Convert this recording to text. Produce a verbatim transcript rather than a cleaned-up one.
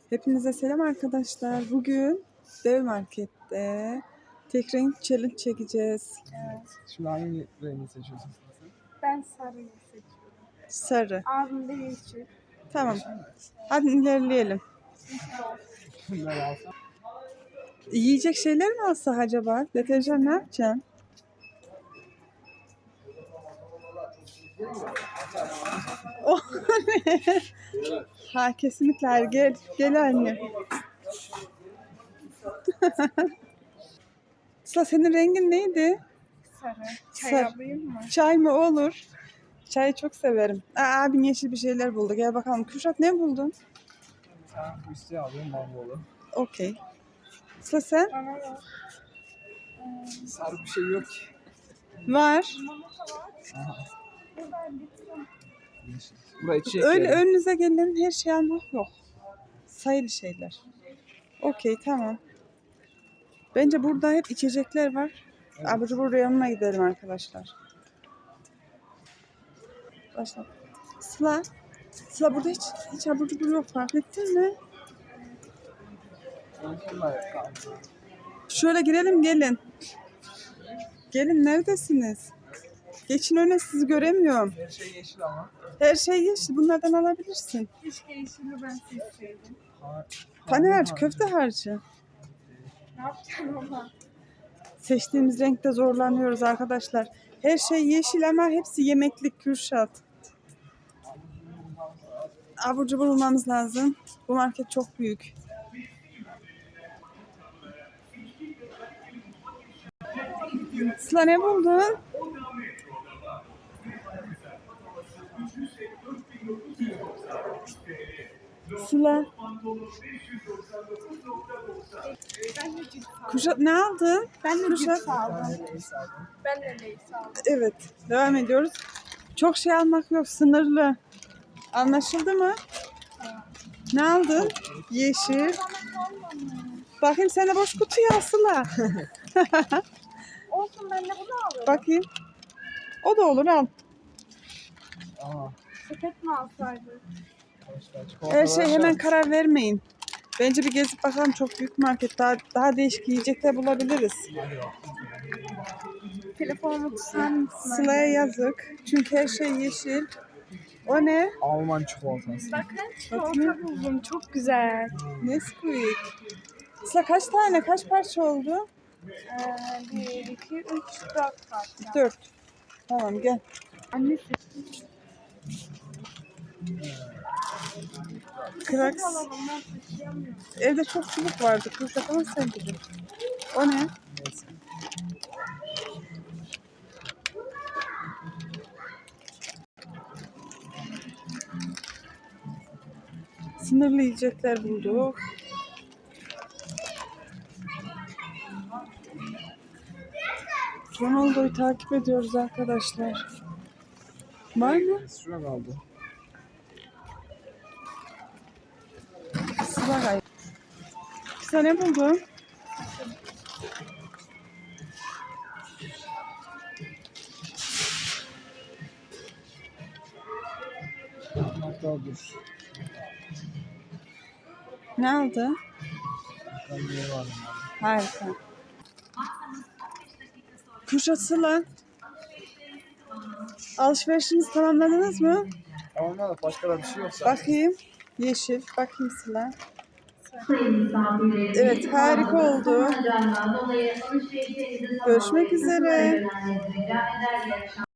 Hepinize selam arkadaşlar. Bugün Dev Market'te tek renk challenge çekeceğiz. Evet. Şimdi hangi rengi seçiyorsun sen? Ben sarıyı seçiyorum. Sarı. Abim de yeşil. Tamam. Hadi ilerleyelim. Bunları alsam. Yiyecek şeyler mi alsak acaba? Deterjan ne yapacağım? Oh, ne? Ha kesinlikle hayır. Gel, gel anne. Sıla senin rengin neydi? Sarı. Çay Sarı. alayım mı? Çay mı olur? Çayı çok severim. Aa, abin yeşil bir şeyler buldu. Gel bakalım. Kürşat ne buldun? Sen bu isteği alıyorum bambolu. Okey. Sıla sen? Bana da. Sarı bir şey yok ki. Var. Aha. Buradan gitsin. Yeşil. Burayı çek. Öyle önünüze gelen her şey almak yok. Sayılı şeyler. Okey tamam. Bence burada hep içecekler var. Evet. Abur cubur yanına gidelim arkadaşlar. Başla. Sıla. Sıla burada hiç, hiç abur cubur yok, fark ettin mi? Şunlar kaldı. Şöyle girelim gelin. Gelin neredesiniz? Geçin öne, sizi göremiyorum. Her şey yeşil ama. Her şey yeşil, bunlardan alabilirsin. Keşke yeşili ben seçseydim. Ha, Pane harcı, köfte harcı. Ne yapacağım ama? Seçtiğimiz renkte zorlanıyoruz arkadaşlar. Her şey yeşil ama hepsi yemeklik Kürşat. Abur cubur bulmamız lazım. Bu market çok büyük. Sıla ne buldun? Sıla. Ben de cips aldım. Kürşat ne aldın? Ben de Kürşat. cips aldım. Ben de neyse aldım. Ben de Lay's aldım. Evet. Devam ediyoruz. Çok şey almak yok. Sınırlı. Anlaşıldı mı? Ne aldın? Yeşil. Bana kalmamış. Bakayım sen de boş kutuyu al Sıla. Olsun, ben de bunu alıyorum. Bakayım. O da olur, al. Aha. Sepet mi alsaydık? Başka Her çikolatalar şey hemen şart. karar vermeyin. Bence bir gezip bakalım, çok büyük market. Daha, daha değişik yiyecekler bulabiliriz. Hadi bak. Telefonumu tutar mısın? Sıla'ya yazık. Çünkü her şey yeşil. O ne? Alman çikolatası. Bakın çikolata buldum. Çok güzel. Nesquik. Sıla kaç tane, kaç parça oldu? Ee, bir, iki, üç, dört parça. Dört. Tamam gel. Anne seçmiş. Kraks. Alalım, ben taşıyamıyorum. Evde çok çubuk vardı. Kürşat ama sen bilin. O ne? Neyse. Sınırlı yiyecekler bulduk. Ronaldo'yu takip ediyoruz arkadaşlar. Var mı? Şuna kaldı. Sıla hayır. Sen ne buldun? Hatta dur. Ne aldın? Ben niye varım abi? Harika. Kürşat, Sıla. Alışverişinizi tamamladınız mı? Ama da başka da bir şey yoksa. Bakayım. Yeşil. Bakayım Sıla. Sayın misafirlerimiz, Evet, harika oldu. Ramazan dolayı alışverişlerinizi Görüşmek üzere. tamamlayın. Rica eder, iyi akşamlar.